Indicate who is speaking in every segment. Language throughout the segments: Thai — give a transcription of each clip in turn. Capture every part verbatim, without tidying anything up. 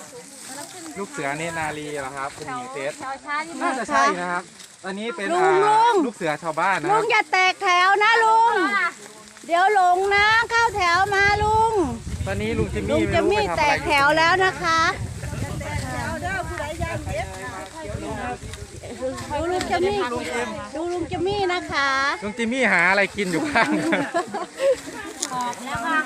Speaker 1: ลูกเสือเนตรนารีเหรอครับคุณหญิงเซต
Speaker 2: ชาวช้าที่
Speaker 1: น่าจะใช่นะครับตอนนี้เป็น
Speaker 3: ลุงลุง
Speaker 1: ลูกเสือชาวบ้านนะค
Speaker 3: ลุ
Speaker 1: รับ
Speaker 3: งอย่าแตกแถวนะลุง เดี๋ยวหลงนะเข้าแถวมาลุง
Speaker 1: ตอนนี้ลุงจิม
Speaker 3: ลุ
Speaker 1: มี่
Speaker 3: ง
Speaker 1: ไม่
Speaker 3: จะ
Speaker 1: รู้
Speaker 3: มี
Speaker 1: ไปทำ
Speaker 3: แต
Speaker 1: อะไร
Speaker 3: กแถวแล้วนะคะดูลุงจะมีดูลุงจะมีนะคะ
Speaker 1: ลุงจิมมี่หาอะไรกินอยู่ข้าง
Speaker 2: ออกแล้วค่ะ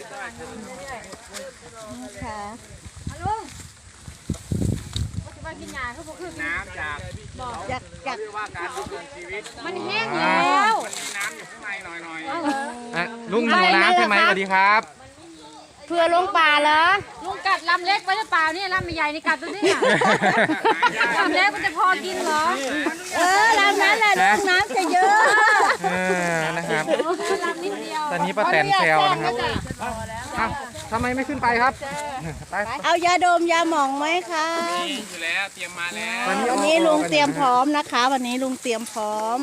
Speaker 3: ค่ะ
Speaker 2: ลุงว่าจะมากินยาเขาบอกคือ
Speaker 1: น้ำจาก
Speaker 3: อยากอยาก
Speaker 1: เรียกว่าการดำเนินชีวิต
Speaker 2: มันแห้งแล้ว
Speaker 1: มันมีน้ำอยู่ข้างในหน่อยๆอ่ะลุงหิวน้ำใช่ไหมสวัสดีครับ
Speaker 3: เพื่อลงป่าเหรอ
Speaker 2: ลุงกัดลำเล็กไว้หรือเปล่าเนี่ยลำใหญ่ในกัดตัวนี้ลำเล็กมันจะพอกินเหรอ
Speaker 3: เออลำนั้นแหละลุงน้ำจะเยอะ
Speaker 1: เออนะครับ
Speaker 2: ลำนิดเดียว
Speaker 1: ตอนนี้ป้าแตนแซวนะครับอ้าวทำไมไม่ขึ้นไปครับไป
Speaker 3: เอายาดมยาหม่องไหมคะ
Speaker 1: อยู่แล้วเตรียมมาแล้ว
Speaker 3: วันนี้ลุงเตรียมพร้อมนะคะ วันนี้ลุงเตรียมพร้อม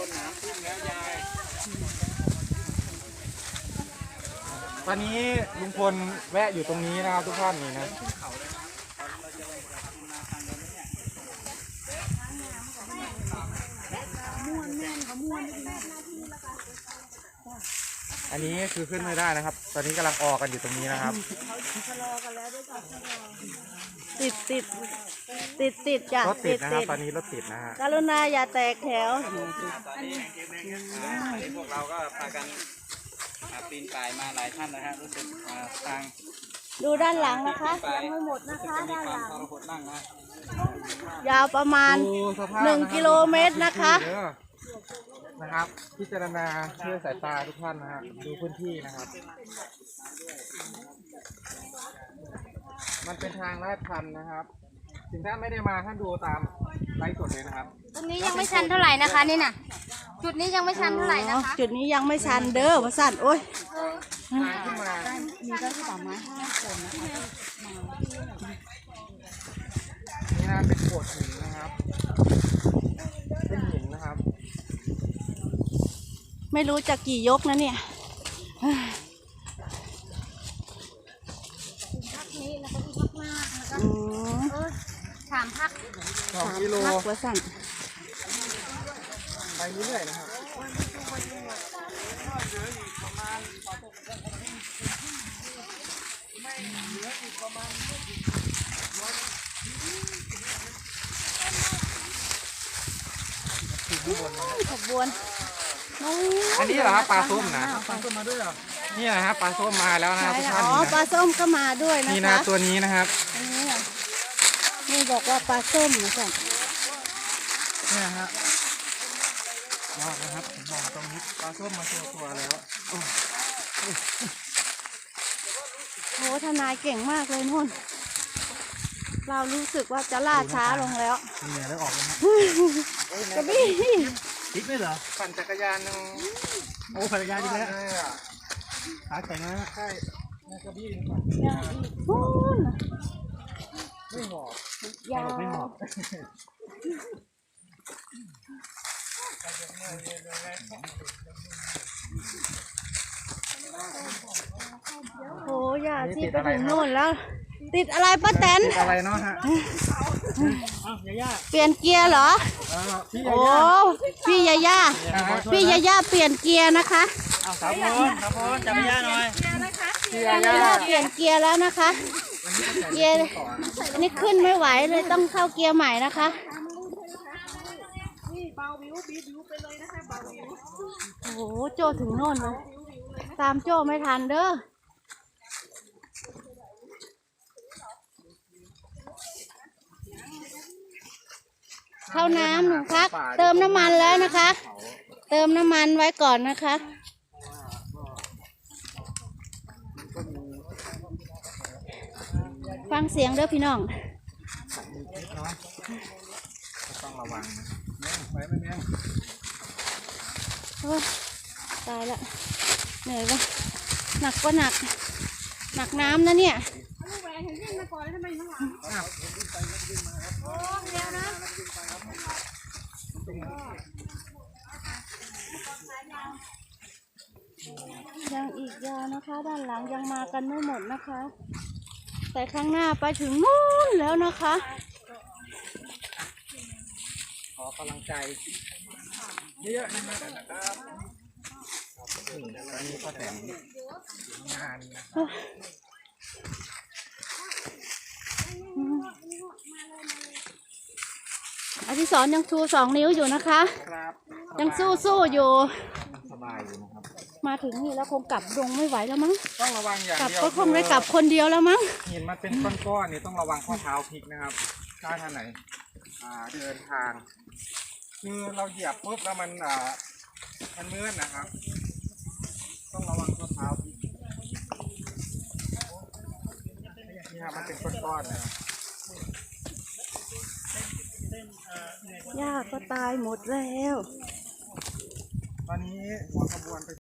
Speaker 1: ตอนนี้ลุงพลแวะอยู่ตรงนี้นะครับทุกท่านนี่นะอันนี้คือขึ้นไม่ได้นะครับ ตอนนี้กำลังออกกันอยู่ตรงนี้นะครับ
Speaker 3: ติดติดติดติดจ้ะ
Speaker 1: รถติดนะครับ ตอนนี้รถติดนะฮะ
Speaker 3: กรุณาอย่าแตกแถว
Speaker 4: พวกเราก็พากันปีนป่ายมาหลายท่านนะฮะรู้สึกทาง
Speaker 3: ดูด้านหลังนะคะยังไม่หมดนะคะ
Speaker 4: มี
Speaker 3: ด้าน
Speaker 4: ค
Speaker 3: ห
Speaker 4: วาม
Speaker 3: ลัง
Speaker 4: ทรหดนั่งนะ
Speaker 3: ยาวประมาณ
Speaker 1: ดูสภาพ
Speaker 3: หนึ่ง
Speaker 1: ะรับ
Speaker 3: กิโลเมตรนะคะ
Speaker 1: เด้อนะครับ พิจารณาเชื่อสายตาทุกท่านนะฮะดูพื้นที่นะครับ มันเป็นทางลาดชันนะครับ ถึงท่านไม่ได้มาท่านดูตามไลฟ์สดเลยนะครับ
Speaker 2: ตรงนี้ยังไม่ชันเท่าไหร่นะคะนี่น่ะจุดนี้ยังไม่ชันเท่าไหร่นะคะ
Speaker 3: จุดนี้ยังไม่ชันเด้อว่าสั่นโอ้ย
Speaker 1: ทางขึ้นมา
Speaker 3: มีก็ที่ป่าไม้ห้าคนนะคะ
Speaker 1: นี่นะเป็นโขดหินนะครับ เป็นหินนะครับ
Speaker 3: ไม่รู้จะกี่ยกนะเนี่ย
Speaker 2: พักนี้แล้วก็พักมากแล้วก็
Speaker 3: อืม
Speaker 2: เออสามพัก
Speaker 1: สองกิโล
Speaker 3: พักว่าสั่น
Speaker 1: ไปเรื่อยๆนะครับ
Speaker 3: ขบวนนู้น
Speaker 1: อันนี้เหรอครับปลาส้มนะปลาส้มมาด้วยเหรอนี่นะครับปลาส้มมาแล้วนะครับทุกท่าน
Speaker 3: อ๋อ
Speaker 1: นี่
Speaker 3: ปลา
Speaker 1: นะ
Speaker 3: ส้มก็มาด้วยนะ
Speaker 1: นี่นะ
Speaker 3: คะ
Speaker 1: ตัวนี้นะครับ
Speaker 3: อันนี้อ่ะนี่บอกว่าปลาส้มนะสั่น
Speaker 1: เนี่ยฮะมองนะครับผมมองตรงนี้ปลาส้มมาตัวตัวแล้วโอ้
Speaker 3: โหทนายเก่งมากเลยนุ่น เรารู้สึกว่าจะล่าช้าลงแล้ว
Speaker 1: เหนื่อยแล้วออกแล้ว
Speaker 3: กระบี่
Speaker 4: ทิศไม่เหรอ
Speaker 1: ปั่นจักรยานยัง
Speaker 4: โอ้ภรรยาดีแล้ว
Speaker 1: ใช่อะ
Speaker 4: ขาแข็งแล้ว
Speaker 1: ใช่ในกระบี่นี่ปั่น
Speaker 3: นู่น
Speaker 1: ไม่หอบ
Speaker 3: ยาว
Speaker 4: ไม่เหมาะ
Speaker 3: โหอย่าที่ไปถึงนู่นแล้ว ติดอะไรป้าแตน
Speaker 1: ติดอะไรเนาะฮะ
Speaker 4: อ้าวยาย่า
Speaker 3: เปลี่ยนเกียร์เหรอ
Speaker 1: เออพี่
Speaker 3: โอ้พี่ยาย่าพี่ยาย่าเปลี่ยนเกียร์นะคะ
Speaker 4: เอาสาวพลสาวพลจับยาย่าหน่อย
Speaker 1: พี่
Speaker 3: ยา
Speaker 1: ย่า
Speaker 3: ย่าเปลี่ยนเกียร์แล้วนะคะ เกียร์นี่ขึ้นไม่ไหวเลยต้องเข้าเกียร์ใหม่นะคะโอ้โหโจถึงโน่นเลยตามโจไม่ทันเด้อเข้าน้ำหนึ่งพักเติมน้ำมันแล้วนะคะ เติมน้ำมันไว้ก่อนนะคะ ฟังเสียงเด้อพี่น้อง
Speaker 1: ต้องระวังนะแม่งไปไม่แม่ง
Speaker 3: โอ้ยตายละเหนื่อยวะหนักก็หนัก หนักน้ำนะเนี่ย ยังอีกยาวนะคะ ด้านหลังยังมากันไม่หมดนะคะแต่ข้างหน้าไปถึงนู่นแล้วนะคะ
Speaker 1: ขอกำลังใจเยอะๆนะครับนี่ตอนนี้ก็แต่งงานนะ
Speaker 3: อธิศรยังชูสองนิ้วอยู่นะคะ
Speaker 1: ครับ
Speaker 3: ยังสู้สู้อยู่
Speaker 1: สบายอยู่นะครับ
Speaker 3: มาถึงนี่แล้วคงกลับดงไม่ไหวแล้วมั้ง
Speaker 1: ต้องระวังอย่าง
Speaker 3: กลับ
Speaker 1: เดียว
Speaker 3: ก็คงได้กลับคนเดียวแล้วมั้ง
Speaker 1: หินมันเป็นก้อนๆนี่ต้องระวังข้อเท้าพลิกนะครับถ้าท่านไหนอ่าเดินทาง คือเราเหยียบปุ๊บแล้วมันอ่ามันมืดนะครับ ต้องระวังข้อเท้าพลิกนี่ครับมันเป็นก้อนๆนะครับ
Speaker 3: หญ้าก็ตายหมดแล้ว
Speaker 1: ตอนนี้หัวขบวนไป